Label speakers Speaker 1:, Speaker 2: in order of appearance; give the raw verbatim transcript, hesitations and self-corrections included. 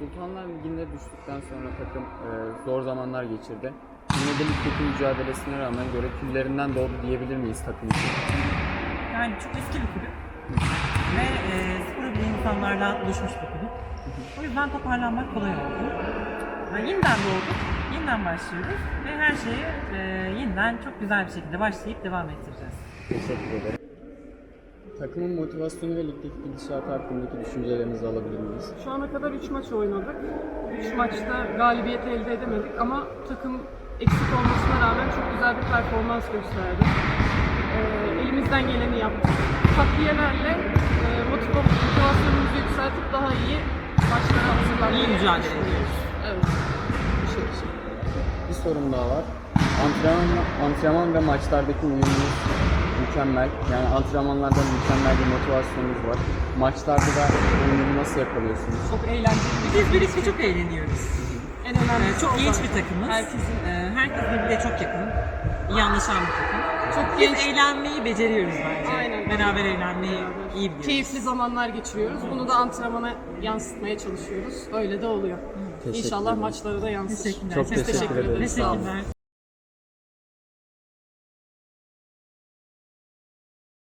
Speaker 1: Sultanlar Ligi'nde düştükten sonra takım e, zor zamanlar geçirdi. Yine de ligdeki mücadelesine rağmen göre küllerinden doğdu diyebilir miyiz takım için?
Speaker 2: Yani çok eski bir kulüp ve e, sporu bilen insanlardan oluşmuş bir kulüp. O yüzden toparlanmak kolay oldu. Yani yeniden doğduk, yeniden başlıyoruz ve her şeyi e, yeniden çok güzel bir şekilde başlayıp devam ettireceğiz.
Speaker 1: Teşekkür ederim. Takımın motivasyonu ve ligdeki gidişatı hakkındaki düşüncelerinizi alabilir miyiz?
Speaker 3: Şu ana kadar üç maç oynadık. üç maçta galibiyet elde edemedik ama takım eksik olmasına rağmen çok güzel bir performans gösterdi. Ee, elimizden geleni yaptık. Takviyelerle e, motiv- motivasyonumuzu yükseltip daha iyi maçlara hazırlanmayı
Speaker 2: İyi mücadele
Speaker 3: düşünüyoruz. Evet.
Speaker 1: Bir sorun daha var. Antrenman, antrenman ve maçlardaki uyumunuz mükemmel. Yani antrenmanlarda mükemmel bir motivasyonunuz var. Maçlarda da uyumu nasıl yakalıyorsunuz?
Speaker 3: Çok eğlenceli.
Speaker 2: Biz birlikte çok eğleniyoruz.
Speaker 3: En önemlisi
Speaker 2: Ee, çok
Speaker 3: o
Speaker 2: genç
Speaker 3: zaten.
Speaker 2: bir takımız.
Speaker 3: Herkesin
Speaker 2: Ee, herkes birbirine çok yakın. İyi anlaşan bir takım.
Speaker 3: çok
Speaker 2: Biz
Speaker 3: genç,
Speaker 2: eğlenmeyi beceriyoruz bence.
Speaker 3: Aynen.
Speaker 2: Beraber eğlenmeyi iyi biliyoruz.
Speaker 3: keyifli zamanlar geçiriyoruz. Bunu da antrenmana yansıtmaya çalışıyoruz. Öyle de oluyor.
Speaker 1: Teşekkür
Speaker 3: İnşallah
Speaker 1: ederim.
Speaker 3: maçlara da yansır.
Speaker 2: Teşekkürler.
Speaker 1: Çok
Speaker 3: Biz
Speaker 1: teşekkür
Speaker 3: teşekkür
Speaker 1: ederiz.
Speaker 3: ederiz.
Speaker 1: Sağ olun.
Speaker 2: Teşekkürler.